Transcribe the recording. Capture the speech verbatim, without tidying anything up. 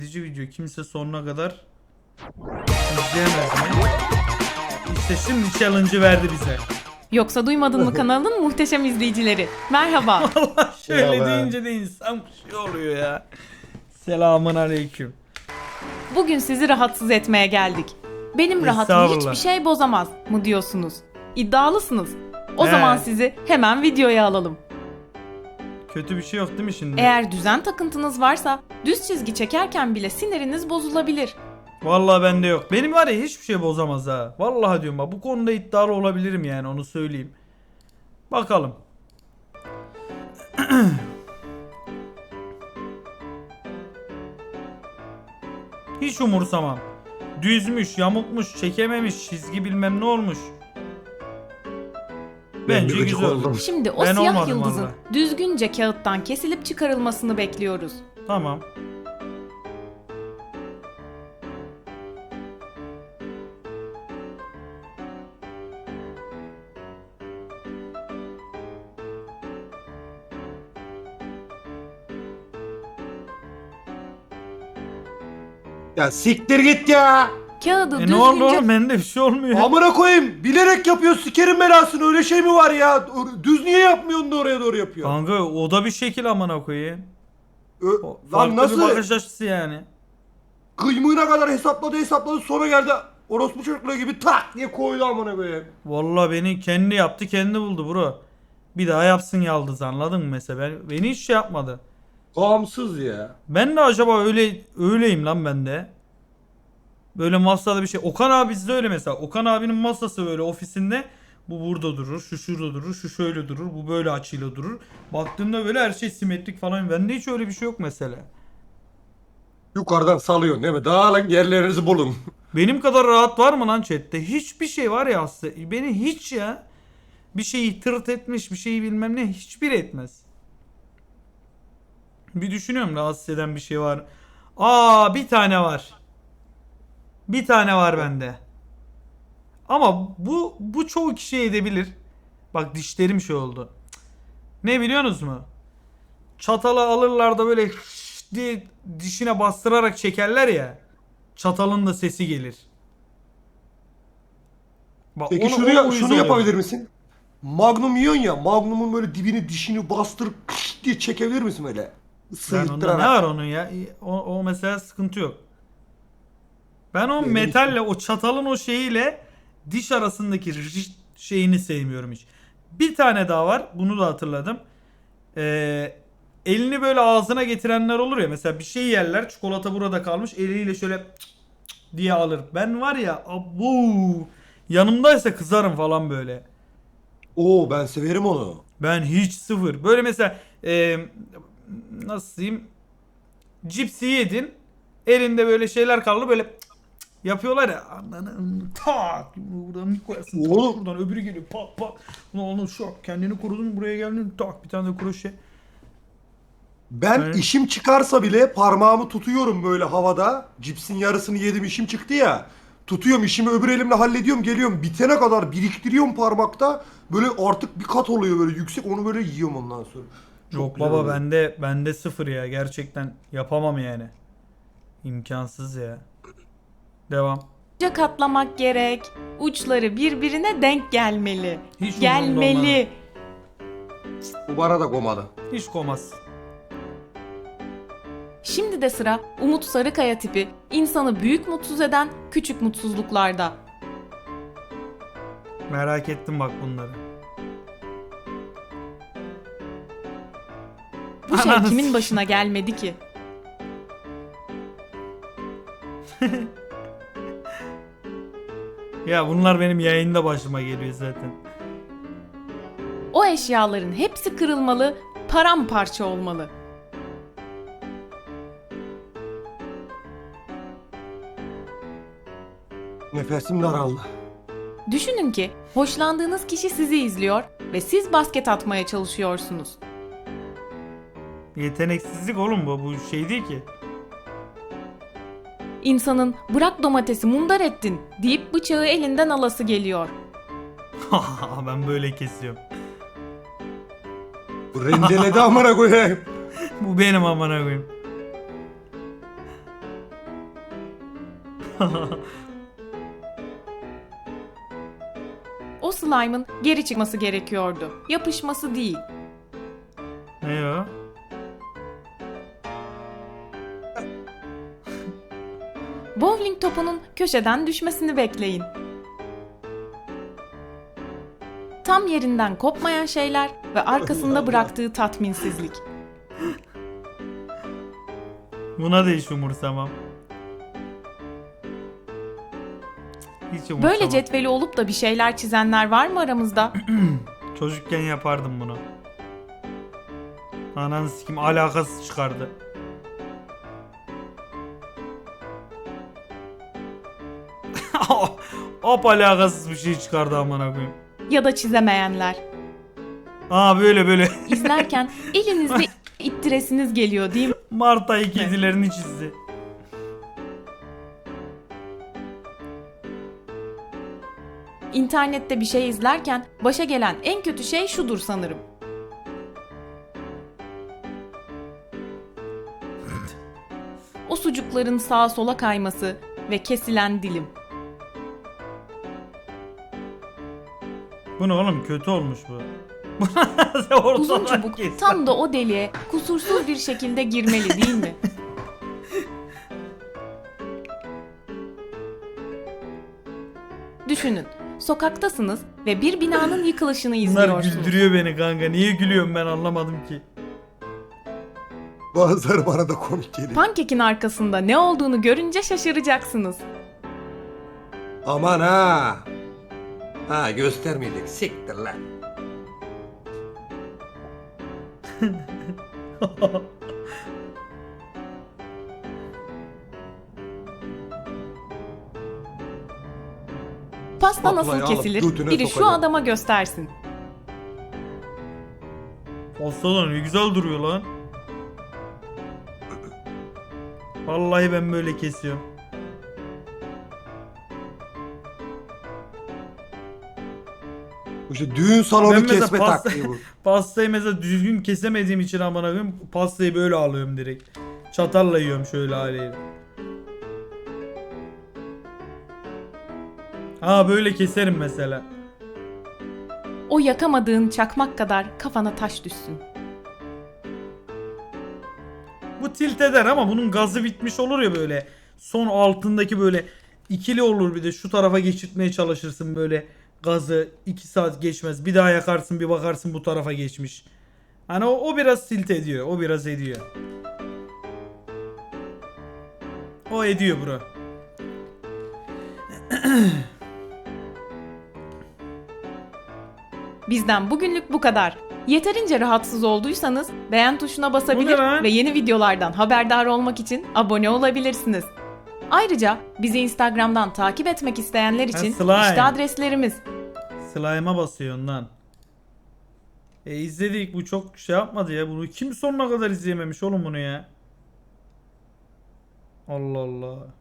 İzleyici video kimse sonuna kadar izleyemez mi? İşte şimdi challenge'ı verdi bize. Yoksa duymadın mı kanalın muhteşem izleyicileri? Merhaba. Allah şöyle Ya be. deyince de insan bir şey oluyor ya. Selamun aleyküm. Bugün sizi rahatsız etmeye geldik. Benim rahatımı Estağfurullah. hiçbir şey bozamaz mı diyorsunuz? İddialısınız. O He. zaman sizi hemen videoya alalım. Kötü bir şey yok değil mi şimdi? Eğer düzen takıntınız varsa düz çizgi çekerken bile siniriniz bozulabilir. Vallahi bende yok. Benim var ya hiçbir şey bozamaz ha. Vallahi diyorum bak bu konuda iddialı olabilirim yani onu söyleyeyim. Bakalım. Hiç umursamam. Düzmüş, yamukmuş, çekememiş, çizgi bilmem ne olmuş. Bence gıcık güzel. oldum. Şimdi o Ben siyah olmadım yıldızın vallahi. düzgünce kağıttan kesilip çıkarılmasını bekliyoruz. Tamam. Ya siktir git ya. Kağıdı E ne oldu düzgünce oğlum? Bende bir şey olmuyor. Amına koyayım. Bilerek yapıyor sikerin belasını. Öyle şey mi var ya? Düz niye yapmıyorsun da oraya doğru yapıyor? Kanka o da bir şekil amına koyayım. Ö- O- Lan Farklı nasıl? bir bakış açısı yani. Kıymığına kadar hesapladı hesapladı sonra geldi. Orospu çocukluğu gibi tak diye koydu amına koyayım. Vallahi beni kendi yaptı kendi buldu bro. Bir daha yapsın yaldız anladın mı mesela? Ben, beni hiç şey yapmadı. Gamsız ya. Ben de acaba öyle öyleyim lan ben de. Böyle masada bir şey. Okan abi bizde öyle mesela. Okan abinin masası böyle ofisinde. Bu burada durur, şu şurada durur, şu şöyle durur, bu böyle açıyla durur. Baktığında böyle her şey simetrik falan. Bende hiç öyle bir şey yok mesela. Yukarıdan salıyorsun değil mi? Dağılın yerlerinizi bulun. Benim kadar rahat var mı lan chatte? Hiçbir şey var ya aslında. Beni hiç ya. Bir şeyi tırt etmiş, bir şeyi bilmem ne hiçbir etmez. Bir düşünüyorum rahatsız eden bir şey var. Aa bir tane var. Bir tane var bende. Ama bu bu çoğu kişi edebilir. Bak dişlerim şey oldu. Cık. Ne biliyorsunuz mu? Çatalı alırlar da böyle diye dişine bastırarak çekerler ya. Çatalın da sesi gelir. Bak, Peki onu- şunu, o ya- uyuz şunu oluyor. yapabilir misin? Magnum yiyorsun ya. Magnum'un böyle dibini dişini bastırıp diye çekebilir misin öyle? Ben onda ne Sıyırttırarak. var onun ya? O, o mesela sıkıntı yok. Ben o Benim metalle, o çatalın o şeyiyle diş arasındaki rırt şeyini sevmiyorum hiç. Bir tane daha var. Bunu da hatırladım. Ee, elini böyle ağzına getirenler olur ya. Mesela bir şey yerler. Çikolata burada kalmış. Eliyle şöyle cık cık diye alır. Ben var ya abu yanımdaysa kızarım falan böyle. Oo ben severim onu. Ben hiç sıfır. Böyle mesela e, nasıl diyeyim? Cipsi yedin. Elinde böyle şeyler kaldı böyle cık cık yapıyorlar ya. Ananı tak. Buradan bir koyarsın. Tak, Oğlum. buradan öbürü geliyor. Pat pat. Ulan oğlum şok. Kendini korudun buraya geldin. Tak bir tane de kroşe. Ben Evet. işim çıkarsa bile parmağımı tutuyorum böyle havada. Cipsin yarısını yedim işim çıktı ya. Tutuyorum işimi öbür elimle hallediyorum geliyorum. Bitene kadar biriktiriyorum parmakta. Böyle artık bir kat oluyor böyle yüksek onu böyle yiyorum ondan sonra. Çok Yok güzel baba oluyor. bende bende sıfır ya. Gerçekten yapamam yani. İmkansız ya. Devam. katlamak gerek. Uçları birbirine denk gelmeli. Hiç umurumda Gelmeli. Bu bana da komadı. Hiç komaz. Şimdi de sıra Umut Sarıkaya tipi insanı büyük mutsuz eden küçük mutsuzluklarda. Merak ettim bak bunları. Bu şey Ananı kimin s- başına gelmedi ki? Ya bunlar benim yayında başıma geliyor zaten. O eşyaların hepsi kırılmalı, paramparça olmalı. Nefesim daraldı. Düşünün ki hoşlandığınız kişi sizi izliyor ve siz basket atmaya çalışıyorsunuz. Yeteneksizlik oğlum bu. Bu şey değil ki. İnsanın bırak domatesi mundar ettin deyip bıçağı elinden alası geliyor. Ben böyle kesiyorum. Rendeledi amına koyayım. Bu benim amına koyayım. O slime'ın geri çıkması gerekiyordu. Yapışması değil. Ne o? Bowling topunun köşeden düşmesini bekleyin. Tam yerinden kopmayan şeyler ve arkasında bıraktığı tatminsizlik. Buna da hiç umursamam. Hiç umursamam. Böyle cetveli olup da bir şeyler çizenler var mı aramızda? Çocukken yapardım bunu. Ananı sikim alakasız çıkardı. Hop alakasız bir şey çıkardı amına koyayım. Ya da çizemeyenler. Aa böyle böyle. İzlerken elinizde ittiresiniz geliyor değil mi? Mart ayı kedilerini çizdi. İnternette bir şey izlerken başa gelen en kötü şey şudur sanırım. O sucukların sağa sola kayması ve kesilen dilim. Bu ne oğlum, kötü olmuş bu. Sen ortadan Uzun çubuk kes. tam da o deliğe kusursuz bir şekilde girmeli değil mi? Düşünün, sokaktasınız ve bir binanın yıkılışını Bunlar izliyorsunuz. güldürüyor beni kanka. Niye gülüyorum ben anlamadım ki. Bazıları bana da komik geliyor. Pankekin arkasında ne olduğunu görünce şaşıracaksınız. Aman ha. Ha göstermeyecek. Siktir lan. Pasta Spatulayı nasıl alıp kesilir? götüne Biri şu sokacağım. adama göstersin. Pastalar ne güzel duruyor lan. Vallahi ben böyle kesiyorum. Bu işte düğün salonu Ben mesela kesme pasta- taktiği bu. Pastayı mesela düzgün kesemediğim için amına koyayım, pastayı böyle alıyorum direkt. Çatalla yiyorum şöyle haliyle. Ha böyle keserim mesela. O yakamadığın çakmak kadar kafana taş düşsün. Bu tilt eder ama bunun gazı bitmiş olur ya böyle. Son altındaki böyle ikili olur, bir de şu tarafa geçirtmeye çalışırsın böyle. Gazı iki saat geçmez. Bir daha yakarsın, bir bakarsın bu tarafa geçmiş. Hani o, o biraz tilt ediyor. O biraz ediyor. O ediyor bro. Bizden bugünlük bu kadar. Yeterince rahatsız olduysanız beğen tuşuna Bu basabilir ne lan? ve yeni videolardan haberdar olmak için abone olabilirsiniz. Ayrıca bizi Instagram'dan takip etmek isteyenler için slime. işte adreslerimiz. Slime'a basıyor ondan. E izledik, bu çok şey yapmadı ya. Bunu kim sonuna kadar izleyememiş oğlum bunu ya. Allah Allah.